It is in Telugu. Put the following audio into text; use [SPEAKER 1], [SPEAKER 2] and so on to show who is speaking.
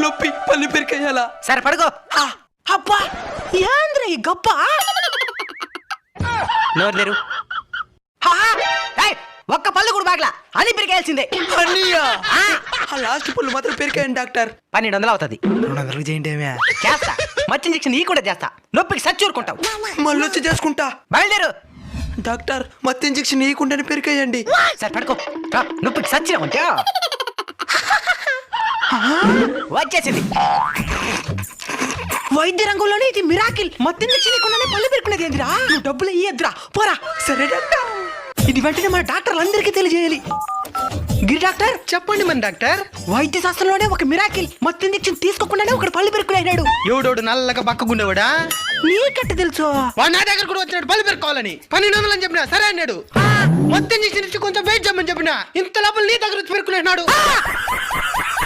[SPEAKER 1] నొప్పి పళ్ళు పెరికేయాలా?
[SPEAKER 2] సరే పడుకో.
[SPEAKER 1] అబ్బా ఏంద్ర ఈ గప్ప?
[SPEAKER 2] నోరు తెరు. ఒక్క పళ్ళు కూడా బాగలా అని పెరికేయాల్సిందే.
[SPEAKER 1] అన్నయ్యా ఆ లాస్ట్ పళ్ళు మాత్రం పెరికాయండి డాక్టర్.
[SPEAKER 2] 1200 అవుతుంది.
[SPEAKER 1] 200 చేయండి ఏమే.
[SPEAKER 2] చేస్తా. మచ్చి ఇంజక్షన్ ఈ కూడా చేస్తా. నొప్పికి సచ్చూరుకుంటావు.
[SPEAKER 1] మళ్ళీ వచ్చి చేసుకుంటా.
[SPEAKER 2] బయలుదేరు.
[SPEAKER 1] డాక్టర్ మత్తు ఇంజక్షన్ ఇవ్వకుండానే పెరికాయండి.
[SPEAKER 2] సరే పడుకో. నొప్పికి సచ్చినామంటే వచ్చేసింది.
[SPEAKER 1] వైద్య రంగంలోనే ఇది మిరాకిల్. మత్తు ఇంజక్షన్ ఇవ్వకుండానే పళ్ళు పెరుకునేది ఏందిరా? నువ్వు డబ్బులు ఇయ్యద్దురా పోరా. సరే డాక్టర్, ఇది వెంటనే మన డాక్టర్లు అందరికీ తెలియజేయాలి. గిరి డాక్టర్
[SPEAKER 3] చెప్పండి మన డాక్టర్.
[SPEAKER 1] వైద్య శాస్త్రంలోనే ఒక మిరాకిల్. మత్తు ఇంజక్షన్ తీసుకోకుండానే ఒకడు పళ్ళు పెరుకునేనాడు.
[SPEAKER 3] ఎవడోడు నల్లగా పక్కగుండేవాడా?
[SPEAKER 1] నీకెట్ట తెలుసు?
[SPEAKER 3] వాడు నా దగ్గర కూడా వచ్చినాడు పళ్ళు పెరుకోవాలని. 1200 అని చెప్పినా సరే అన్నాడు. మొత్తం చేసి కొంచెం వెయిట్ చేయమని చెప్పినా ఇంత లోపల నీ దగ్గర వచ్చి పెరుకునేనాడు.